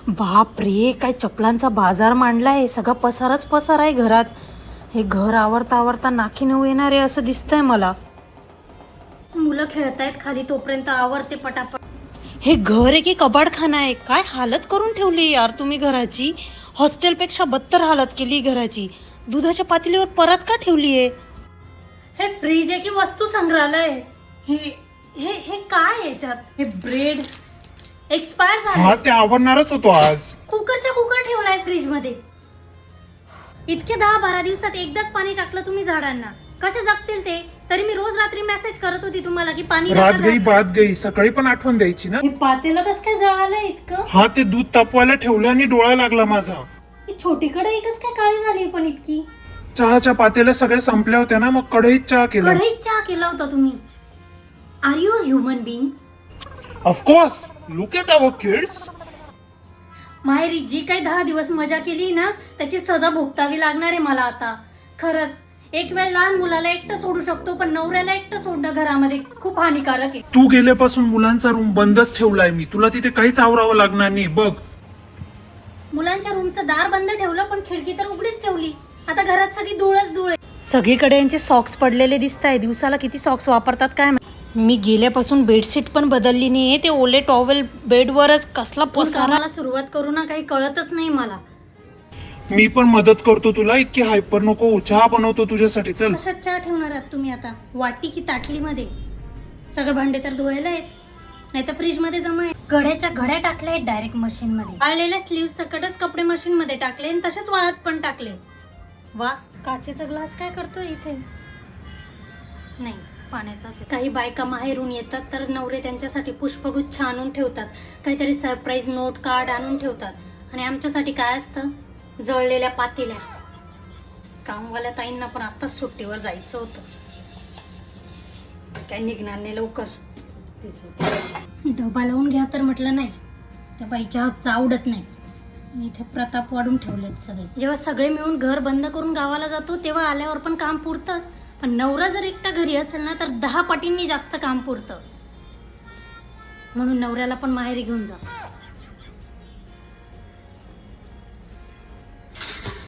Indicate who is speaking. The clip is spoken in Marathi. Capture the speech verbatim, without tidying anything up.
Speaker 1: बाप रे, काय चपलांचा बाजार मांडलाय. सगळा पसारच पसार आहे घरात. हे घर आवरता आवरता नाकी नऊ येणार आहे असं दिसतंय मला. मुलं खेळतायत खाली, तोपर्यंत आवरते पटापट. हे घर आहे की कबाडखाना आहे? काय हालत करून ठेवली यार तुम्ही घराची. हॉस्टेलपेक्षा बदतर हालत केली घराची. दुधाच्या पातेलीवर परत का ठेवली आहे? हे फ्रीज आहे की वस्तू संग्रहालय? हे हे हे काय याच्यात? हे ब्रेड एक्सपायर झाले.
Speaker 2: हा, ते आवरणारच होतो आज.
Speaker 1: कुकरच्या कुकर ठेवलाय फ्रीज मध्ये. इतके दहा बारा दिवसात एकदाच पाणी टाकलं तुम्ही झाडांना, कसे जगतील ते? तरी मी रोज रात्री मेसेज करत होती तुम्हाला की पाणी
Speaker 2: रात गई बात गई, सकाळी पण आठवण द्यायची ना.
Speaker 1: हे पातेलं कसं काय जळालंय इतकं?
Speaker 2: हा, ते दूध तापवायला ठेवलं आणि डोळा लागला माझा.
Speaker 1: ही छोटी कढई एकच काय काळी झाली पण इतकी?
Speaker 2: चहाच्या पातेल्या सगळ्या संपल्या होत्या ना, मग कढईत चहा केला.
Speaker 1: कढईत चहा केला होता तुम्ही? Are you a human being?
Speaker 2: Of course, look at our kids.
Speaker 1: माहेरी जी काही दहा दिवस मजा केली ना, त्याची सजा भोगतावी लागणार आहे मला आता. खरंच, एक वेळ लहान मुलाला एकटं सोडू शकतो, पण नवऱ्याला एकटं सोडणं घरामध्ये खूप हानिकारक आहे.
Speaker 2: तू गेल्यापासून मुलांचा रूम बंदच ठेवलाय मी. तुला तिथे काहीच आवरावं लागणार नाही बघ.
Speaker 1: मुलांच्या रूमचं दार बंद ठेवलं, पण खिडकी तर उघडीच ठेवली. आता घरात सगळी धूळच धूळ आहे. सगळीकडे यांचे सॉक्स पडलेले दिसत आहे. दिवसाला किती सॉक्स वापरतात काय? मी गेल्यापासून बेडशीट पण बदलली नाहीये. ते ओले टॉवेल बेडवरच कसला पसारा. सुरुवात करू ना, काही कळतच नाही मला.
Speaker 2: मी पण मदत करतो तुला. इतकी हायपर नको. चहा बनवतो तुझ्यासाठी. चल.
Speaker 1: कशात चहा ठेवणार आहात तुम्ही आता? वाटी की ताटलीमध्ये? सगळे भांडे तर धुवायला आहेत, नाही तर फ्रीज मध्ये जमा आहे. घड्याच्या घड्या टाकल्या आहेत डायरेक्ट मशीन मध्ये. वाळलेल्या स्लीव्ह सकटच कपडे मशीन मध्ये टाकले आणि तसेच वाळत पण टाकले. वा, काचेचा ग्लास काय करतोय इथे? नाही, पाण्याचाच. काही बायका माहेरून येतात तर नवरे त्यांच्यासाठी पुष्पगुच्छ आणून ठेवतात, काहीतरी सरप्राईज नोट कार्ड आणून ठेवतात. आणि आमच्यासाठी काय असतं? जळलेल्या पातेल्या. कामवाल्या ताईंना पण आताच सुट्टीवर जायचं होतं, काय निघणार नाही लवकर. डबा लावून घ्या तर म्हटलं नाही, त्या बाईच्या हातचं आवडत नाही. इथे प्रताप वाढून ठेवलेत सगळे. जेव्हा सगळे मिळून घर बंद करून गावाला जातो तेव्हा आल्यावर पण काम पुरतंच, पण नवरा जर एकटा घरी असेल ना तर दहा पटींनी जास्त काम पुरतं. म्हणून नवऱ्याला पण माहेरी घेऊन जा.